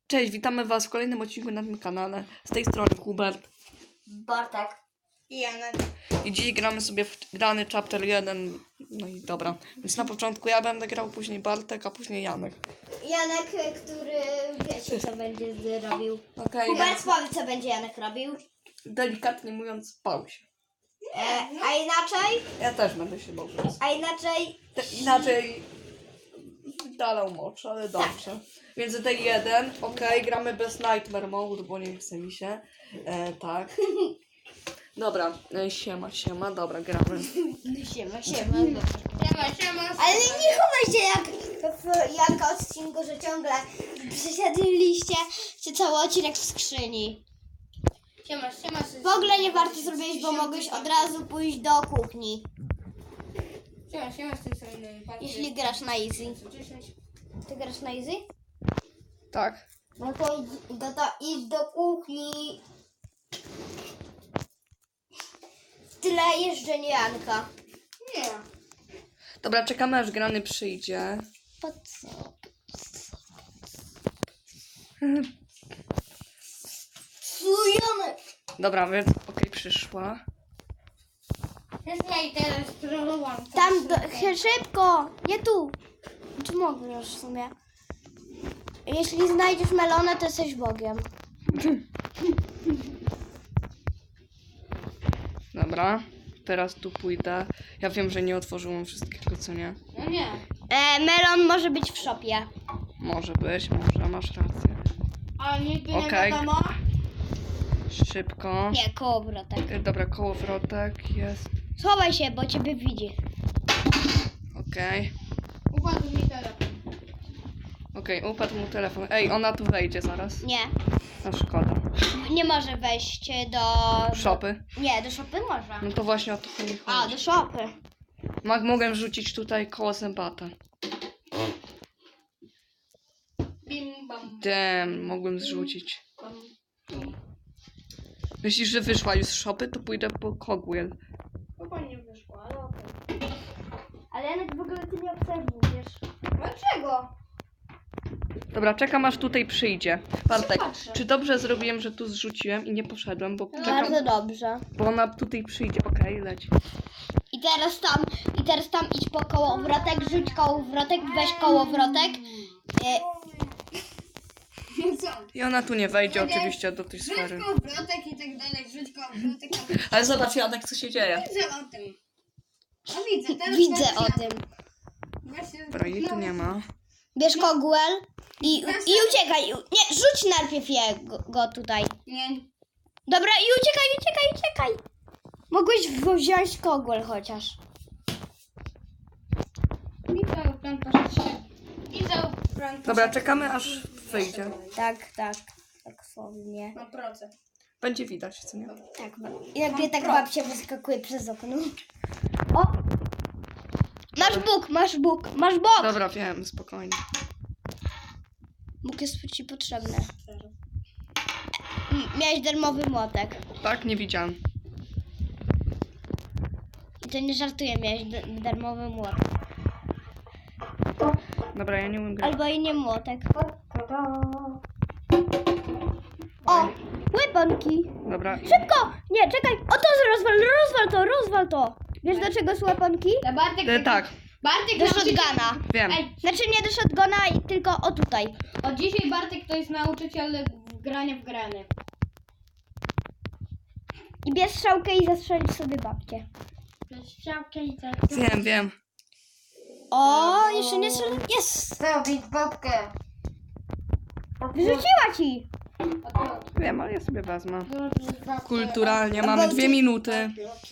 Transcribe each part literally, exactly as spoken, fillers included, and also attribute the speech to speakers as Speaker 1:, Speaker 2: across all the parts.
Speaker 1: Cześć, witamy was w kolejnym odcinku na tym kanale. Z tej strony Hubert.
Speaker 2: Bartek.
Speaker 3: I Janek.
Speaker 1: I dziś gramy sobie w grany chapter jeden. No i dobra. Więc na początku ja będę grał, później Bartek, a później Janek.
Speaker 2: Janek, który wiecie co będzie robił.
Speaker 1: Okej,
Speaker 2: Hubert,
Speaker 1: więc
Speaker 2: powiedz co będzie Janek robił.
Speaker 1: delikatnie mówiąc, spał się.
Speaker 2: E, a inaczej?
Speaker 1: Ja też będę się bał.
Speaker 2: A inaczej?
Speaker 1: Te, inaczej dalał mocz, ale dobrze. Więc D jeden, okej, gramy bez Nightmare Mode, bo nie chce mi się. E, tak. Dobra, e, siema, siema, dobra, gramy.
Speaker 2: Siema, siema.
Speaker 3: Siema, siema.
Speaker 2: Ale nie chowaj się jak w Janka odcinku, że ciągle przesiadliście się cały odcinek w skrzyni.
Speaker 3: Siema, siema.
Speaker 2: W ogóle nie warto zrobić, bo mogłeś od razu pójść do kuchni.
Speaker 3: Siema, siema z tej strony.
Speaker 2: Jeśli grasz na easy. Ty grasz na easy?
Speaker 1: Tak.
Speaker 2: No to idź, no to idź do kuchni. Tyle jeżdżenie Janka.
Speaker 3: Nie.
Speaker 1: Dobra, czekamy aż grany przyjdzie.
Speaker 2: Po co? Janek?
Speaker 1: Dobra, więc okej, przyszła.
Speaker 3: Słuchaj, teraz trollowałam.
Speaker 2: Tam do, szybko! Nie tu! Czy mogę już w sumie? Jeśli znajdziesz melonę, to jesteś Bogiem.
Speaker 1: Dobra, teraz tu pójdę. Ja wiem, że nie otworzyłam wszystkiego, co nie.
Speaker 3: No nie.
Speaker 2: E, melon może być w szopie.
Speaker 1: Może być, może, masz rację.
Speaker 3: Ale nigdy nie
Speaker 1: Okej.
Speaker 3: wiadomo.
Speaker 1: Szybko.
Speaker 2: Nie, kołowrotek.
Speaker 1: Y, Dobra, kołowrotek jest.
Speaker 2: Schowaj się, bo ciebie widzi.
Speaker 1: Okej.
Speaker 3: Upadł mi telefon.
Speaker 1: Okej, upadł mu telefon. Ej, ona tu wejdzie zaraz.
Speaker 2: Nie,
Speaker 1: No szkoda.
Speaker 2: nie może wejść do...
Speaker 1: Szopy.
Speaker 2: Nie, do szopy może.
Speaker 1: No to właśnie o to chodzi.
Speaker 2: A, do szopy.
Speaker 1: Mag, mogę rzucić tutaj koło zębata.
Speaker 3: Bim, bam,
Speaker 1: Damn, mogłem zrzucić.
Speaker 3: bam.
Speaker 1: Myślisz, że wyszła już z szopy, to pójdę po Cogwheel.
Speaker 3: Chyba nie wyszło, ale okej.
Speaker 2: Ale Janek w ogóle ty nie obserwujesz.
Speaker 3: Dlaczego?
Speaker 1: Dobra, czekam aż tutaj przyjdzie. Bartek,
Speaker 3: Patrzę.
Speaker 1: czy dobrze zrobiłem, że tu zrzuciłem i nie poszedłem, bo czekam,
Speaker 2: Bardzo dobrze.
Speaker 1: bo ona tutaj przyjdzie. Okej, leć.
Speaker 2: I teraz tam, i teraz tam idź po kołowrotek, rzuć kołowrotek, weź kołowrotek. E,
Speaker 3: Co?
Speaker 1: I ona tu nie wejdzie oczywiście do tej sfery.
Speaker 3: Rzuć kołowrotek i tak dalej, rzuć kołowrotek.
Speaker 1: Ale zobacz, Janek, co się dzieje.
Speaker 3: Widzę o tym. No widzę, teraz
Speaker 2: widzę
Speaker 3: teraz
Speaker 2: o
Speaker 3: ja-
Speaker 2: tym.
Speaker 3: Właśnie-
Speaker 1: Dobra, jej tu nie ma.
Speaker 2: Bierz kogłel i, i uciekaj. Nie, rzuć najpierw jego go tutaj.
Speaker 3: Nie.
Speaker 2: Dobra, i uciekaj, uciekaj, uciekaj. Mogłeś wziąć kogłel chociaż.
Speaker 3: Widzę o plan poszedł. Widzę o plan
Speaker 1: Dobra, czekamy aż wyjdzie.
Speaker 2: Tak, tak. Tak słownie.
Speaker 3: Na procent.
Speaker 1: Będzie widać, co nie?
Speaker 2: Tak, i nagle tak babcia wyskakuje przez okno. O! Masz Bóg, masz Bóg, masz Bóg!
Speaker 1: Dobra, wiem, spokojnie.
Speaker 2: Bóg jest ci potrzebny. M- Miałeś darmowy młotek.
Speaker 1: Tak, nie widziałem.
Speaker 2: I to nie żartuję, miałeś d- darmowy młotek.
Speaker 1: Dobra, ja nie umiem grać.
Speaker 2: Albo i nie młotek. O! Łyponki!
Speaker 1: Dobra,
Speaker 2: Szybko! Nie, czekaj! O to rozwal, rozwal to, rozwal to! Wiesz do czego są łyponki?
Speaker 3: Dla Bartek...
Speaker 1: e, tak,
Speaker 3: Bartek
Speaker 2: Do
Speaker 3: nauczyciel-
Speaker 2: shotguna.
Speaker 1: wiem.
Speaker 3: Ej,
Speaker 2: Znaczy nie do shotguna, i tylko o tutaj.
Speaker 3: od dzisiaj Bartek to jest nauczyciel w grania w grany.
Speaker 2: I bierz strzałkę i zastrzelić sobie babcię.
Speaker 3: Strzałkę i tak.
Speaker 1: Wiem, wiem.
Speaker 2: O, jeszcze nie strzelił. Jest!
Speaker 3: Zrobić babkę.
Speaker 2: Wyrzuciła ci!
Speaker 1: Wiem, ale ja sobie wezmę. Kulturalnie, mamy dwie minuty.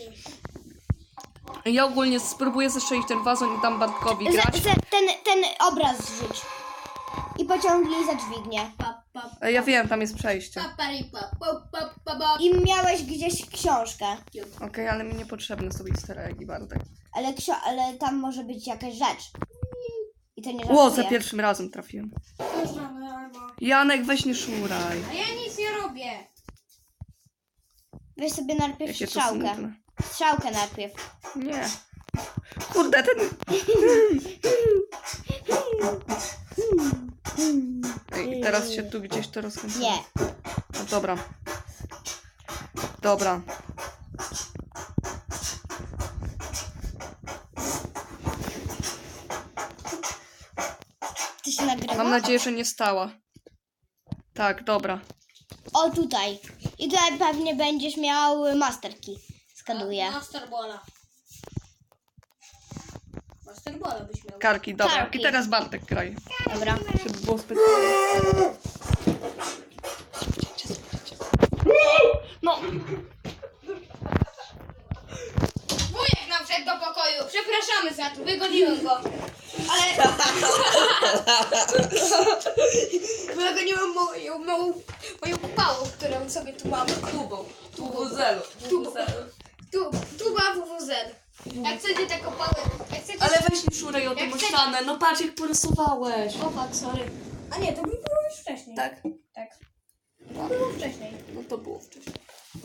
Speaker 1: Ja ogólnie spróbuję zestrzelić ten wazon i dam Bartkowi
Speaker 2: Za,
Speaker 1: grać.
Speaker 2: za, ten, ten obraz zrzuć. I pociągnij za dźwignię.
Speaker 1: E, Ja wiem, tam jest przejście.
Speaker 2: I miałeś gdzieś książkę.
Speaker 1: Okej, ale mi niepotrzebne są easter eggi, Bartek.
Speaker 2: Ale, ksio- ale tam może być jakaś rzecz. I to nie
Speaker 1: Ło, za
Speaker 2: żartuję.
Speaker 1: pierwszym razem trafiłem. Janek, weź nie szuraj.
Speaker 3: A ja nic nie robię.
Speaker 2: Weź sobie najpierw
Speaker 1: Jakie to
Speaker 2: strzałkę.
Speaker 1: smutne.
Speaker 2: Strzałkę najpierw.
Speaker 1: Nie. Kurde, ten... Ej, teraz się tu gdzieś to rozkręca.
Speaker 2: Nie.
Speaker 1: No dobra. Dobra.
Speaker 2: Ty się nagrywa?
Speaker 1: Mam nadzieję, że nie stała. Tak, dobra.
Speaker 2: O, tutaj. I tutaj pewnie będziesz miał masterki. Skanuję.
Speaker 3: Masterbola. Masterbola byś miał.
Speaker 1: Karki, dobra.
Speaker 2: Karki.
Speaker 1: I teraz Bartek graj.
Speaker 2: Dobra.
Speaker 1: Żeby było specjalnie. No,
Speaker 3: Wujek nam wszedł do pokoju. Przepraszamy za to, wygoniłem go. Ale... Wygoniłem moją małą, moją pałą, którą sobie tu mam.
Speaker 1: tubą. Tubuzelu.
Speaker 3: Tu, tuba W W Z. Jak chcecie taką pałę... Jak chcecie...
Speaker 1: Ale weź nie szuraj o tą
Speaker 3: Jak chcesz-
Speaker 1: ścianę. No patrz, jak porysowałeś.
Speaker 3: O fuck, sorry. A nie, to mi było już wcześniej.
Speaker 1: Tak?
Speaker 3: Tak. To było wcześniej.
Speaker 1: No to było wcześniej.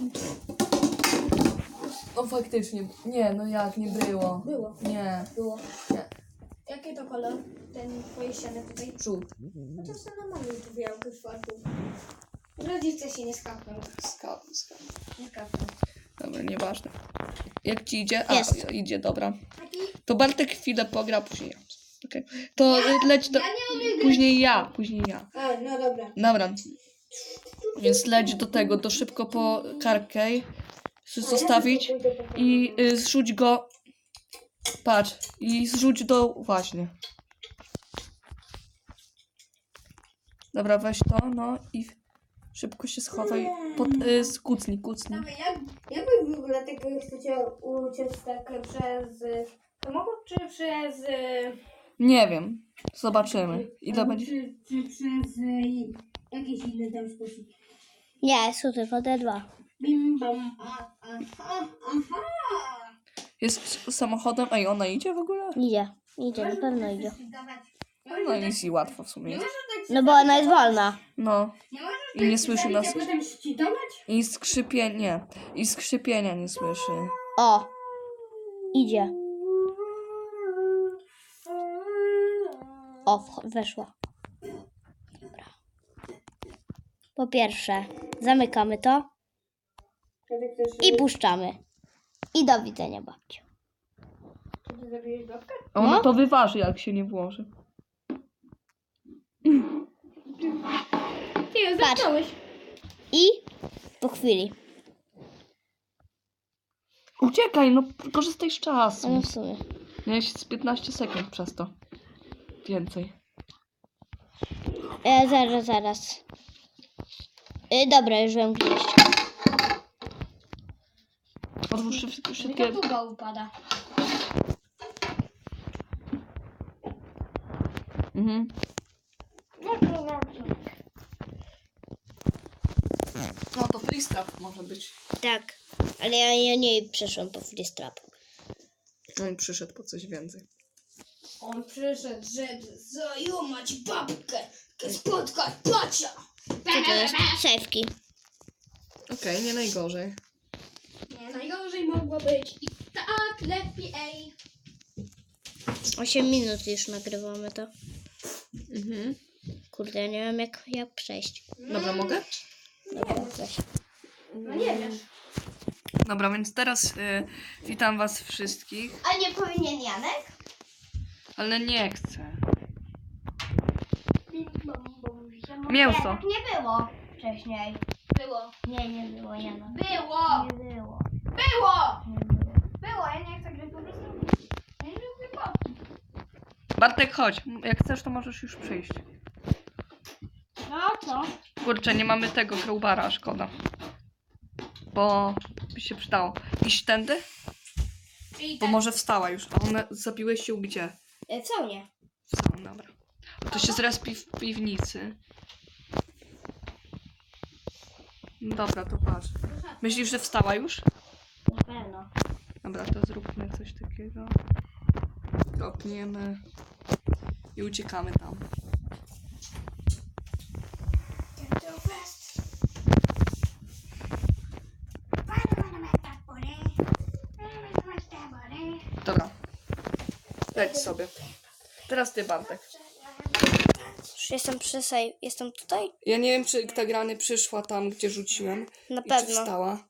Speaker 1: No faktycznie. Nie, no jak, nie było.
Speaker 3: Było.
Speaker 1: Nie.
Speaker 3: Było.
Speaker 1: Nie.
Speaker 3: Jaki to kolor? Ten twoje ściany tutaj?
Speaker 1: Żółty.
Speaker 3: Chociaż to normalnie tu białkę w czwartku. Rodzice się nie skapną.
Speaker 1: Skap, skap.
Speaker 3: Nie skapną.
Speaker 1: Dobra, nieważne. Jak ci idzie? A,
Speaker 2: Jest.
Speaker 1: idzie, dobra.
Speaker 3: Taki...
Speaker 1: To Bartek chwilę pogra, później ja. Okej. To y, leć do...
Speaker 3: Ja nie umiem grać.
Speaker 1: Później ja, później ja.
Speaker 3: A, no dobra.
Speaker 1: Dobra. Więc leć do tego, do szybko po karkę. Zostawić i y, zrzuć go. Patrz. I zrzuć do... Właśnie. Dobra, weź to, no i szybko się schowaj. Pod, y, kucnij, kucnij.
Speaker 3: Dawaj, jak, jak wy w ogóle tego chcecie uciec tak przez samochód, czy przez...
Speaker 1: Nie wiem. Zobaczymy. Ile będzie.
Speaker 3: Czy, czy przez y, jakiś inny tam sposób?
Speaker 2: Nie, są tylko te dwa.
Speaker 3: Bim, bam, a, aha, aha.
Speaker 1: Jest samochodem. Ej, ona idzie w ogóle?
Speaker 2: Idzie. Idzie, na pewno idzie.
Speaker 1: No nic i łatwo w sumie. jest.
Speaker 2: No bo ona jest wolna.
Speaker 1: No.
Speaker 3: Nie możesz
Speaker 1: I nie słyszy nas.
Speaker 3: a potem szczytować?
Speaker 1: I skrzypienia. Nie. I skrzypienia nie słyszy.
Speaker 2: O. Idzie. O, wch- weszła. Dobra. Po pierwsze, zamykamy to i puszczamy. I do widzenia, babciu.
Speaker 3: Czy ty zabijesz babkę?
Speaker 1: A ona
Speaker 2: No.
Speaker 1: to wyważy, jak się nie włoży.
Speaker 3: Ty ją
Speaker 2: Patrz.
Speaker 3: zamknąłeś.
Speaker 2: I po chwili.
Speaker 1: Uciekaj, no korzystaj z
Speaker 2: No
Speaker 1: czasu.
Speaker 2: w sumie.
Speaker 1: Miałeś z piętnaście sekund przez to. Więcej.
Speaker 2: E, zaraz, zaraz. E, dobra, już wiem gdzieś.
Speaker 1: Otwórz wszystkie...
Speaker 3: Mi
Speaker 1: wszystkie...
Speaker 3: ta tuba upada.
Speaker 1: Mhm. No to freestrap może być.
Speaker 2: Tak, ale ja, ja nie przeszłam po freestrap.
Speaker 1: No i przyszedł po coś więcej.
Speaker 3: On przyszedł, żeby zajumać babkę, spotkać pacia.
Speaker 2: Co to jest? Sejfki.
Speaker 1: Okej, nie najgorzej.
Speaker 3: Nie, najgorzej mogło być i tak lepiej.
Speaker 2: osiem minut już nagrywamy to.
Speaker 1: Mhm.
Speaker 2: Kurde, ja nie wiem jak, jak przejść.
Speaker 1: Dobra, mogę?
Speaker 2: Dobra, coś.
Speaker 3: No nie wiesz.
Speaker 1: Dobra, więc teraz y, witam was wszystkich,
Speaker 2: A nie powinien Janek?
Speaker 1: ale nie chcę. Mięso.
Speaker 2: Tak nie było wcześniej.
Speaker 3: Było.
Speaker 2: Nie, nie było Janek.
Speaker 3: Było.
Speaker 2: Nie było.
Speaker 3: Było.
Speaker 2: Nie było.
Speaker 3: Było, ja nie chcę grać po prostu. Ja nie lubię babki.
Speaker 1: Bartek, chodź. Jak chcesz, to możesz już przyjść.
Speaker 3: No co?
Speaker 1: Kurczę, nie mamy tego crowbara, szkoda. Bo by się przydało. Iść tędy?
Speaker 3: Czyli
Speaker 1: Bo
Speaker 3: tak.
Speaker 1: może wstała już. A one zabiłeś się gdzie?
Speaker 3: E, Co nie?
Speaker 1: Wstała, dobra. To się zrespi w piwnicy. No dobra, to patrz. Myślisz, że wstała już?
Speaker 2: Na pewno.
Speaker 1: Dobra, to zróbmy coś takiego. Kropniemy. I uciekamy tam. Dobra. Leć sobie. Teraz ty, Bartek.
Speaker 2: Już jestem przy save. Jestem tutaj?
Speaker 1: Ja nie wiem, czy ta grany przyszła tam, gdzie rzuciłem.
Speaker 2: Na
Speaker 1: I czy
Speaker 2: pewno.
Speaker 1: wstała.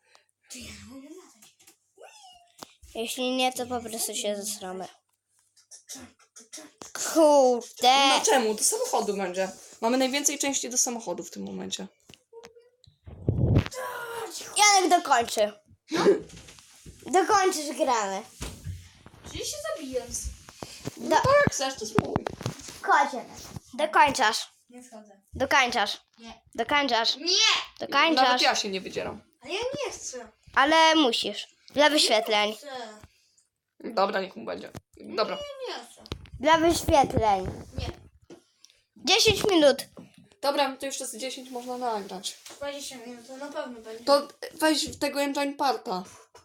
Speaker 2: Jeśli nie, to po prostu się zesramy. Kurde.
Speaker 1: No czemu? Do samochodu będzie. Mamy najwięcej części do samochodu w tym momencie.
Speaker 2: Janek dokończy. Dokończysz gramy.
Speaker 3: Czyli się zabijam.
Speaker 1: No tak, jak chcesz, to spróbuj.
Speaker 2: Kocie. Dokończasz.
Speaker 3: Nie schodzę.
Speaker 2: Dokończasz.
Speaker 3: Nie.
Speaker 2: Dokończasz.
Speaker 3: Nie!
Speaker 1: Nawet
Speaker 2: Dokończasz.
Speaker 1: ja się nie wydzieram.
Speaker 3: Ale ja nie chcę.
Speaker 2: Ale musisz. Dla wyświetleń.
Speaker 3: Chcę.
Speaker 1: Dobra, niech mu będzie. Dobra.
Speaker 3: Nie chcę.
Speaker 2: Dla wyświetleń.
Speaker 3: Nie.
Speaker 2: dziesięć minut.
Speaker 1: Dobra, to jeszcze z dziesięć można nagrać.
Speaker 3: dwadzieścia minut, to na pewno będzie.
Speaker 1: To weź tego engine parta.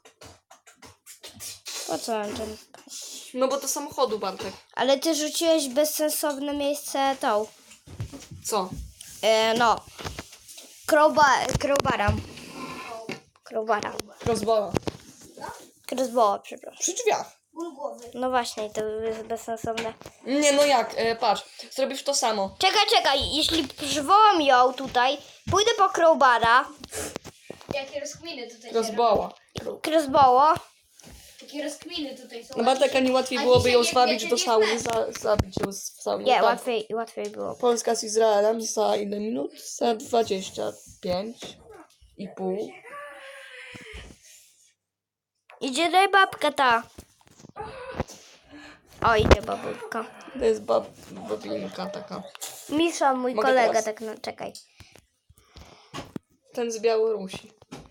Speaker 2: Po co ten?
Speaker 1: No bo do samochodu, Bartek.
Speaker 2: Ale ty rzuciłeś w bezsensowne miejsce tą.
Speaker 1: Co?
Speaker 2: E, no. Crowbar, crowbara. Crowbara.
Speaker 1: Rozwala.
Speaker 2: Crossbowa, przepraszam.
Speaker 1: Przy drzwiach.
Speaker 3: Ból głowy.
Speaker 2: No właśnie, to jest bezsensowne.
Speaker 1: Nie, no jak? E, patrz, zrobisz to samo.
Speaker 2: Czekaj, czekaj, jeśli przywołam ją tutaj, pójdę po crowbara,
Speaker 3: Jakie rozkminy tutaj się
Speaker 1: Rozbała.
Speaker 2: crossbowo.
Speaker 3: robią. Jakie rozkminy tutaj są.
Speaker 1: No Bartek, a nie łatwiej
Speaker 3: A
Speaker 1: byłoby
Speaker 3: dzisiaj
Speaker 1: ją
Speaker 3: nie
Speaker 1: zwabić
Speaker 3: wiecie,
Speaker 1: do
Speaker 3: nie
Speaker 1: sauny,
Speaker 3: znać.
Speaker 1: za, zabić ją w saunie.
Speaker 2: Nie,
Speaker 1: Tak.
Speaker 2: łatwiej, łatwiej było.
Speaker 1: Polska z Izraelem za ile minut? Za dwadzieścia pięć i pół.
Speaker 2: Idzie daj babka ta. O, idzie babulka.
Speaker 1: To jest bab, babinka taka.
Speaker 2: Misza, mój
Speaker 1: Mogę
Speaker 2: kolega,
Speaker 1: teraz?
Speaker 2: tak no, czekaj.
Speaker 1: Ten z Białorusi.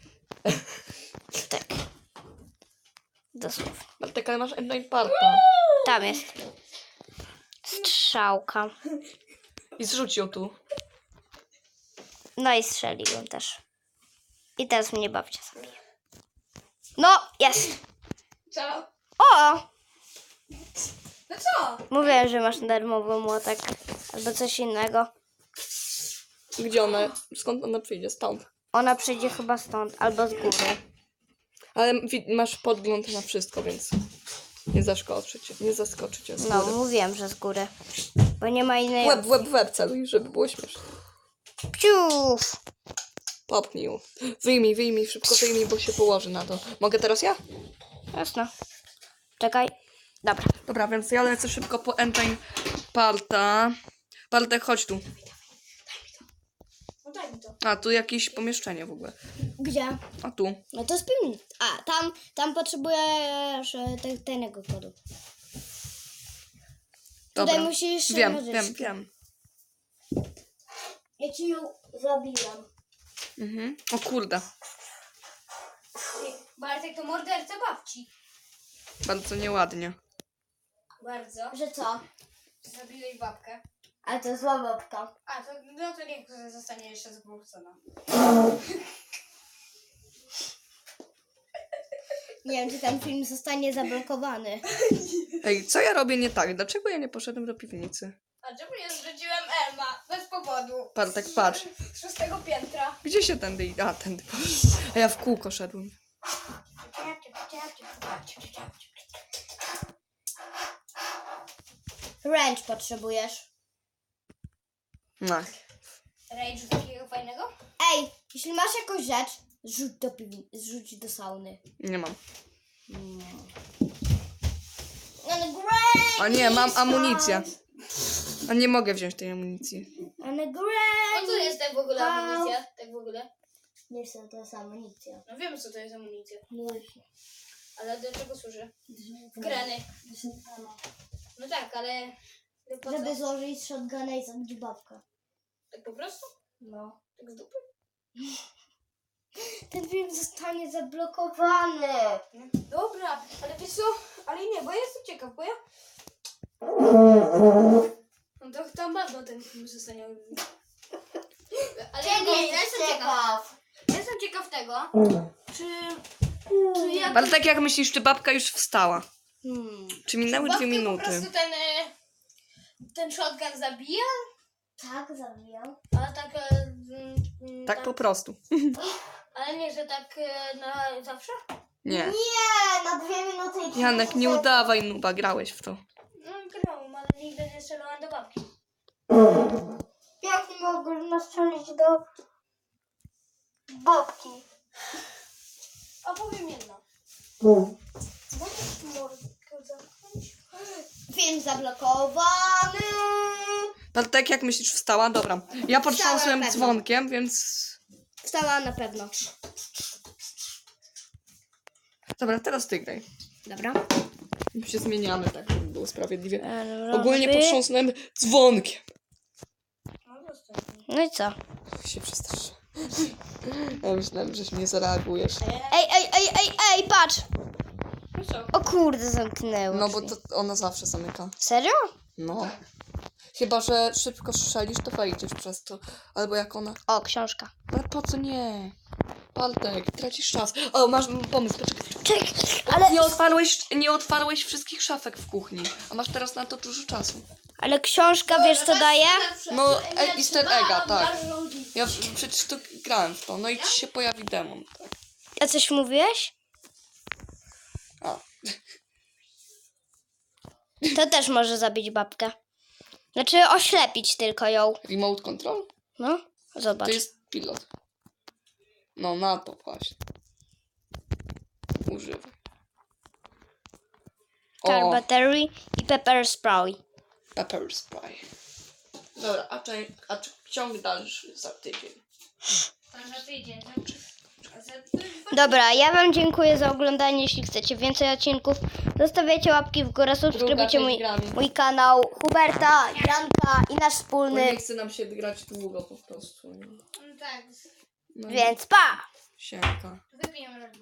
Speaker 2: Tak. Dosłownie.
Speaker 1: Bartek, ale masz engine parta.
Speaker 2: Tam jest. Strzałka.
Speaker 1: I zrzuć ją tu.
Speaker 2: No i strzeliłem też. I teraz mnie babcia sobie. No, jest.
Speaker 3: Co?
Speaker 2: O!
Speaker 3: No co?
Speaker 2: Mówiłem, że masz darmowy młotek. Albo coś innego.
Speaker 1: Gdzie ona? Skąd ona przyjdzie? Stąd.
Speaker 2: Ona przyjdzie chyba stąd, albo z góry.
Speaker 1: Ale wi- masz podgląd na wszystko, więc nie zaskoczy cię. Nie zaskoczy cię z
Speaker 2: No,
Speaker 1: góry.
Speaker 2: mówiłem, że z góry. Bo nie ma innej...
Speaker 1: Łeb, w łeb, w łeb celuj, żeby było śmieszne.
Speaker 2: Piuf!
Speaker 1: Popnij ją. Wyjmij, wyjmij, szybko wyjmij, bo się położy na to. Mogę teraz ja?
Speaker 2: Jasno. Czekaj. Dobra.
Speaker 1: Dobra, więc ja lecę szybko po engine parta. Bartek, chodź tu.
Speaker 3: No daj mi to.
Speaker 1: A, tu jakieś pomieszczenie w ogóle.
Speaker 2: Gdzie?
Speaker 1: A tu.
Speaker 2: No to spij. A, tam, tam potrzebujesz e, te, tego kodu.
Speaker 1: Dobra.
Speaker 2: Tutaj musisz...
Speaker 1: Wiem,
Speaker 2: nożyczki.
Speaker 1: wiem, wiem.
Speaker 2: Ja ci ją zabiłam.
Speaker 1: Mhm. O kurde.
Speaker 3: Ty, Bartek to morderca babci.
Speaker 1: Bardzo nieładnie.
Speaker 3: Bardzo.
Speaker 2: Że co?
Speaker 3: Zabiłeś babkę.
Speaker 2: A to zła babka.
Speaker 3: A, to, no to niech zostanie jeszcze zgwałcona.
Speaker 2: Nie wiem, czy ten film zostanie zablokowany.
Speaker 1: Ej, co ja robię nie tak? Dlaczego ja nie poszedłem do piwnicy?
Speaker 3: A czemu nie zrzuciłem Elma? Bez powodu.
Speaker 1: Bartek, patrz.
Speaker 3: Z szóstego piętra.
Speaker 1: Gdzie się tędy idzie? A, tędy. A ja w kółko szedłem.
Speaker 2: Wręcz potrzebujesz.
Speaker 1: No.
Speaker 3: Rage takiego fajnego?
Speaker 2: Ej, jeśli masz jakąś rzecz, zrzuć do, piwni- zrzuć do sauny.
Speaker 1: Nie mam.
Speaker 2: Ale great!
Speaker 1: A nie, mam amunicję. A nie mogę wziąć tej amunicji.
Speaker 2: Ale great!
Speaker 3: No co jest tak w ogóle amunicja? Tak w ogóle?
Speaker 2: Nie chcę, to jest amunicja.
Speaker 3: No wiemy co to jest amunicja.
Speaker 2: No,
Speaker 3: Ale do czego służy? W grany. No tak, ale... Po co?
Speaker 2: żeby złożyć shotguna i zabić babkę.
Speaker 3: Tak po prostu?
Speaker 2: No.
Speaker 3: Tak z dupy?
Speaker 2: Ten film zostanie zablokowany.
Speaker 3: No. Dobra, ale wiesz co? Ale nie, bo ja jestem ciekaw, bo ja... No to tam bardzo ten film zostanie... Ale ja, nie, ja jestem ciekaw. Ja jestem ciekaw tego, czy... czy ja...
Speaker 1: Bartek, jak myślisz, czy babka już wstała?
Speaker 2: Hmm.
Speaker 1: Czy minęły
Speaker 3: babkę
Speaker 1: dwie
Speaker 3: po
Speaker 1: minuty?
Speaker 3: prostu ten... e, Ten shotgun zabija?
Speaker 2: Tak, zabijam.
Speaker 3: Ale tak... e, mm, mm,
Speaker 1: Tak po prostu.
Speaker 3: Ale nie, że tak e, na zawsze?
Speaker 1: Nie.
Speaker 2: Nie, na dwie minuty i
Speaker 1: Janek, nie udawaj nuba, grałeś w to.
Speaker 3: No grałam, ale nigdy nie strzelałam do babki.
Speaker 2: mogę nastrzelić do babki.
Speaker 3: Opowiem jedno. Możesz mordkę zamknąć?
Speaker 2: Film zablokowany.
Speaker 1: Bartek, jak myślisz, wstała? Dobra. Ja potrząsłem
Speaker 2: na pewno.
Speaker 1: dzwonkiem, więc...
Speaker 2: Wstała na pewno.
Speaker 1: Dobra, teraz ty graj.
Speaker 2: Dobra.
Speaker 1: My się zmieniamy, tak, żeby było sprawiedliwie.
Speaker 2: E,
Speaker 1: Ogólnie
Speaker 2: robi-
Speaker 1: potrząsnąłem dzwonkiem.
Speaker 3: No zostań.
Speaker 2: No i co?
Speaker 1: Się przestraszę. Ja myślałem, że nie zareagujesz.
Speaker 2: Ej, ej, ej, ej, ej, patrz!
Speaker 3: No co?
Speaker 2: O kurde, zamknęło.
Speaker 1: No bo
Speaker 2: drzwi.
Speaker 1: to ona zawsze zamyka.
Speaker 2: Serio?
Speaker 1: No. Chyba, że szybko strzelisz, to wejdziesz przez to. Albo jak ona...
Speaker 2: O, książka.
Speaker 1: Ale po co nie? Bartek, tracisz czas. O, masz pomysł, poczekaj.
Speaker 2: Czekaj, ale,
Speaker 1: Nie otwarłeś, nie otwarłeś wszystkich szafek w kuchni. A masz teraz na to dużo czasu.
Speaker 2: ale książka, wiesz co daje?
Speaker 1: No, e, easter egga, tak.
Speaker 3: Bardzo
Speaker 1: Ja w- przecież to grałem w to. No i ci się pojawi demon.
Speaker 2: A coś mówiłeś?
Speaker 1: A,
Speaker 2: To też może zabić babkę. Znaczy oślepić tylko ją.
Speaker 1: remote control?
Speaker 2: No, zobacz.
Speaker 1: To jest pilot. No, na to właśnie. Używaj.
Speaker 2: Car
Speaker 1: O,
Speaker 2: battery i pepper spray.
Speaker 1: pepper spray. Dobra, a, czy, a czy ciąg dalszy za tydzień?
Speaker 3: Za tydzień. A za dwa
Speaker 2: Dobra, ja wam dziękuję za oglądanie. Jeśli chcecie więcej odcinków, zostawiajcie łapki w górę, subskrybujcie
Speaker 1: część
Speaker 2: mój,
Speaker 1: grami.
Speaker 2: mój kanał Huberta, Janka i nasz
Speaker 1: Bo
Speaker 2: wspólny.
Speaker 1: nie chce nam się grać długo po prostu. nie?
Speaker 3: No tak.
Speaker 1: No,
Speaker 2: Więc pa!
Speaker 1: Siemka.
Speaker 3: Wypijemy.